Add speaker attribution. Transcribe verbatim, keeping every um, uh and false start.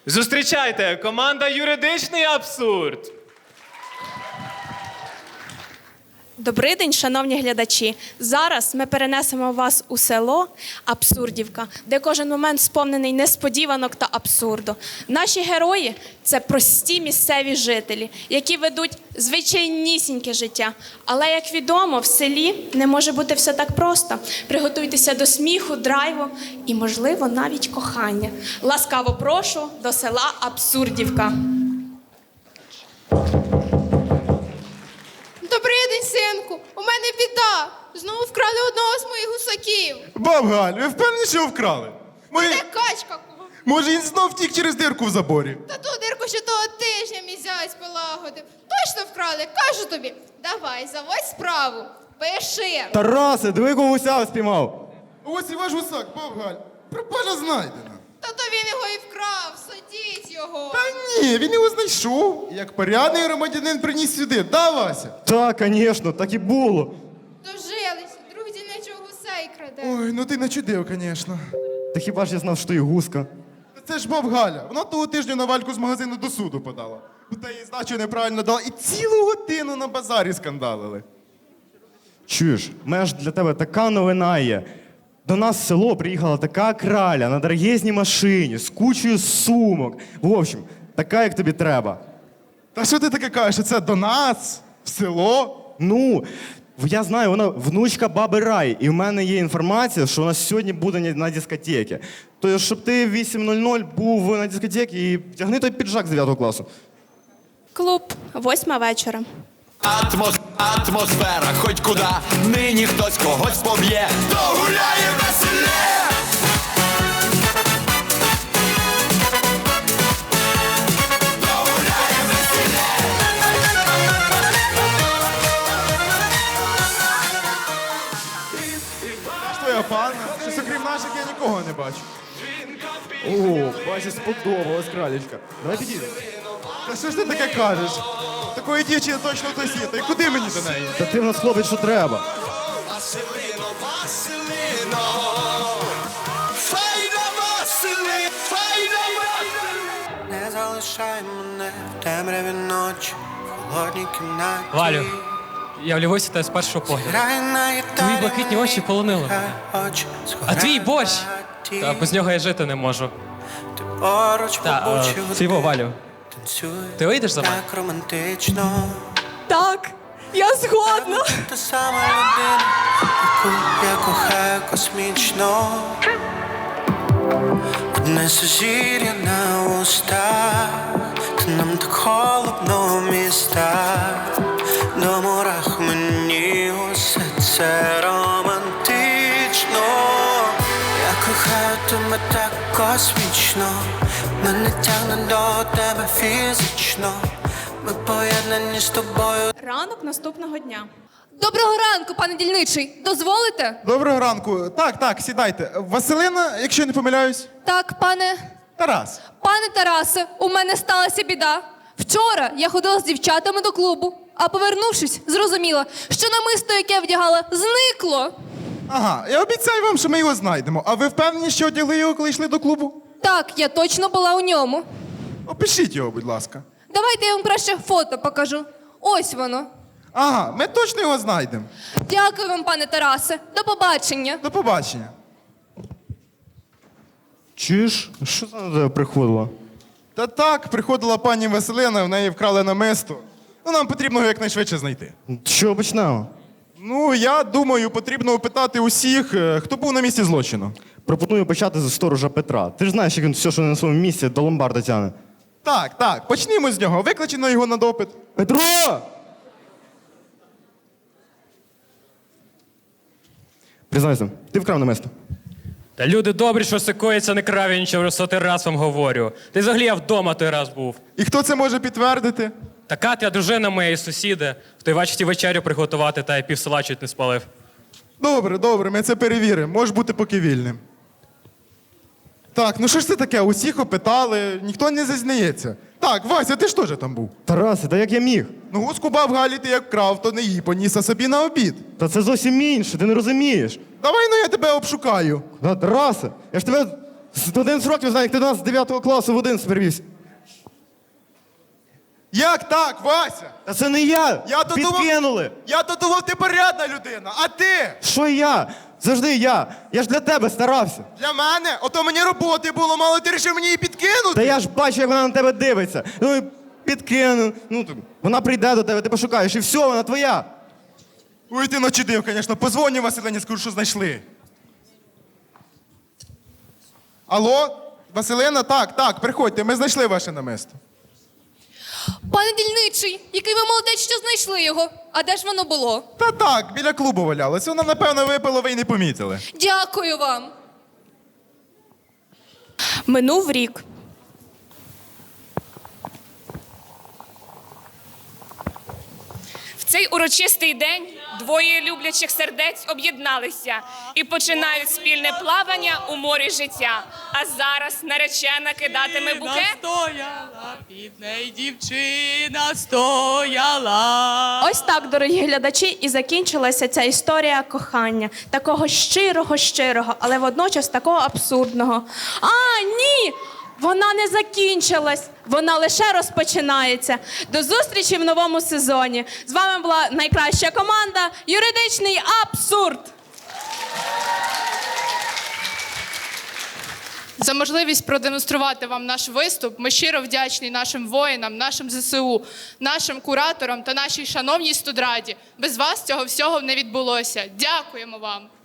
Speaker 1: Зустрічайте, команда «Юридичний абсурд».
Speaker 2: Добрий день, шановні глядачі. Зараз ми перенесемо вас у село Абсурдівка, де кожен момент сповнений несподіванок та абсурду. Наші герої – це прості місцеві жителі, які ведуть звичайнісіньке життя. Але, як відомо, в селі не може бути все так просто. Приготуйтеся до сміху, драйву і, можливо, навіть кохання. Ласкаво прошу до села Абсурдівка.
Speaker 3: Добрий день, синку. У мене біда. Знову вкрали одного з моїх гусаків.
Speaker 4: Баб Галь, ви впевнені, що його вкрали? Може,
Speaker 3: Це качка.
Speaker 4: може він знов втік через дирку в заборі?
Speaker 3: Та ту дирку ще того тижня мій зять полагодив. Точно вкрали, кажу тобі. Давай, заводь справу. Пиши.
Speaker 5: Тарасе, диви, кого гуся спіймав.
Speaker 4: Ось і ваш гусак, баб Галь. Пропажа знайдена.
Speaker 3: Та то він його і вкрав. Садіть його.
Speaker 4: Та ні, він його знайшов. Як порядний громадянин приніс сюди. Да, Вася?
Speaker 5: Так, звісно, так і було.
Speaker 3: Дожилися. Друг дільничого гусей краде.
Speaker 4: Ой, ну ти начудив, звісно.
Speaker 5: Та хіба ж я знав, що і гуска?
Speaker 4: Це ж баб Галя. Вона того тижня на Вальку з магазину до суду подала. Та їй здачу неправильно дала і цілу годину на базарі скандалили.
Speaker 5: Чуєш, в мене ж для тебе така новина є. До нас в село приїхала така краля на дорогезній машині з кучою сумок. В общем, така, як тобі треба.
Speaker 4: Та що ти таке кажеш, що це до нас? В село?
Speaker 5: Ну, я знаю, вона внучка баби Раї, і в мене є інформація, що вона сьогодні буде на дискотеці. Тобто, щоб ти в вісім нуль нуль був на дискотеці і втягни той піджак з дев'ятого класу.
Speaker 2: Клуб, восьма вечора.
Speaker 6: Атмос, атмосфера, хоть куда, нині хтось когось поб'є, то гуляє веселє. То гуляє веселє.
Speaker 4: Що твоя пана? Щось окрім наших я нікого не бачу.
Speaker 5: О, бачиш, сподобалась кралечка. Давай підійдемо.
Speaker 4: Та що ж ти таке кажеш? Такої дівчини точно хтось є. Та й куди мені до неї?
Speaker 5: Та ти в нас хлопець, що треба.
Speaker 6: Василино, Василино, файна Васили, файна Васили.
Speaker 7: Не залишай мене в темряві ночі, в холодній кімнаті.
Speaker 1: Валю, я влюбився в тебе з першого погляду.
Speaker 7: Грай на гітарі,
Speaker 1: Твої блакитні очі полонили
Speaker 7: хай
Speaker 1: мене.
Speaker 7: очі
Speaker 1: А твій борщ?
Speaker 7: згорять.
Speaker 1: Та без нього я жити не можу.
Speaker 7: Ти поруч
Speaker 1: Та,
Speaker 7: побучі
Speaker 1: е,
Speaker 7: години.
Speaker 1: Цього, Валю,
Speaker 7: Танцюй
Speaker 1: ти вийдеш за мене?
Speaker 7: так романтично.
Speaker 2: Так, я згодна.
Speaker 7: Та сама людина, яку я кохаю космічно. Одне сузір'я на устах, та нам так холодно в містах. До мурах мені усе це романтично. Я кохаю тебе так космічно, мене тягне до тебе фізично. Ми поєднані з тобою.
Speaker 2: Ранок наступного дня.
Speaker 3: Доброго ранку, пане дільничий. Дозволите?
Speaker 4: Доброго ранку. Так, так, сідайте. Василина, якщо я не помиляюсь.
Speaker 3: Так, пане.
Speaker 4: Тарас.
Speaker 3: Пане Тарасе, у мене сталася біда. Вчора я ходила з дівчатами до клубу, а повернувшись, зрозуміла, що намисто, яке вдягала, зникло.
Speaker 4: Ага, я обіцяю вам, що ми його знайдемо. А ви впевнені, що одягли його, коли йшли до клубу?
Speaker 3: Так, я точно була у ньому.
Speaker 4: Опишіть його, будь ласка.
Speaker 3: Давайте я вам краще фото покажу. Ось воно.
Speaker 4: Ага, ми точно його знайдемо.
Speaker 3: Дякую вам, пане Тарасе. До побачення.
Speaker 4: До побачення.
Speaker 5: Чуєш? Що це на тебе приходило?
Speaker 4: Та так, приходила пані Василина, в неї вкрали намисто. Ну, нам потрібно його якнайшвидше знайти.
Speaker 5: Що почнемо?
Speaker 4: Ну, я думаю, потрібно опитати усіх, е, хто був на місці злочину.
Speaker 5: Пропоную почати з сторожа Петра. Ти ж знаєш, як він все, що не на своєму місці, до ломбарда тягне.
Speaker 4: Так, так, почнімо з нього. Викличено його на допит.
Speaker 5: Петро! Признайся, ти вкрав намисто.
Speaker 1: Та люди добрі, що сикується, не крав, я нічого вже сотий раз вам говорю. Ти взагалі я вдома той раз був.
Speaker 4: І хто це може підтвердити?
Speaker 1: Та Катя, дружина моєї сусіди, в той вечір вечерю приготувати, та й пів села чуть не спалив.
Speaker 4: Добре, добре, ми це перевіримо. Можеш бути поки вільним. Так, ну що ж це таке? Усіх опитали, ніхто не зізнається. Так, Вася, ти ж теж там був.
Speaker 5: Тарасе, та як я міг?
Speaker 4: Ну, гуску баб Галі ти як крав, то не їй поніс, а собі на обід.
Speaker 5: Та це зовсім інше, ти не розумієш.
Speaker 4: Давай, ну я тебе обшукаю.
Speaker 5: Та, Тарасе, я ж тебе З одинадцяти років знаю, як ти до нас з дев'ятого класу в один перевівся.
Speaker 4: Як так, Вася?
Speaker 5: Та це не я!
Speaker 4: Я то думав-
Speaker 5: Підкинули!
Speaker 4: Я то думав, ти порядна людина, а ти?
Speaker 5: Що я? Завжди я. Я ж для тебе старався.
Speaker 4: Для мене? Ото мені роботи було, мало ти вирішив мені її підкинути.
Speaker 5: Та я ж бачу, як вона на тебе дивиться. Ну, підкину. Ну, то вона прийде до тебе, ти пошукаєш, і все, вона твоя.
Speaker 4: Ой, ти начудив, звісно. Позвоню Василині, скажу, що знайшли. Алло? Василина? Так, так, приходьте, ми знайшли ваше намисто.
Speaker 3: Пане дільничий, який ви молодець, що знайшли його. А де ж воно було?
Speaker 4: Та так, біля клубу валялось. Воно, напевно, випило, ви й не помітили.
Speaker 3: Дякую вам.
Speaker 2: Минув рік.
Speaker 8: В цей урочистий день двоє люблячих сердець об'єдналися і починають спільне плавання у морі життя. А зараз наречена кидатиме букет.
Speaker 9: Стояла, під неї дівчина стояла.
Speaker 2: Ось так, дорогі глядачі, і закінчилася ця історія кохання. Такого щирого-щирого, але водночас такого абсурдного. А, ні! Вона не закінчилась, вона лише розпочинається. До зустрічі в новому сезоні. З вами була найкраща команда «Юридичний абсурд».
Speaker 9: За можливість продемонструвати вам наш виступ ми щиро вдячні нашим воїнам, нашим зе се у, нашим кураторам та нашій шановній студраді. Без вас цього всього не відбулося. Дякуємо вам!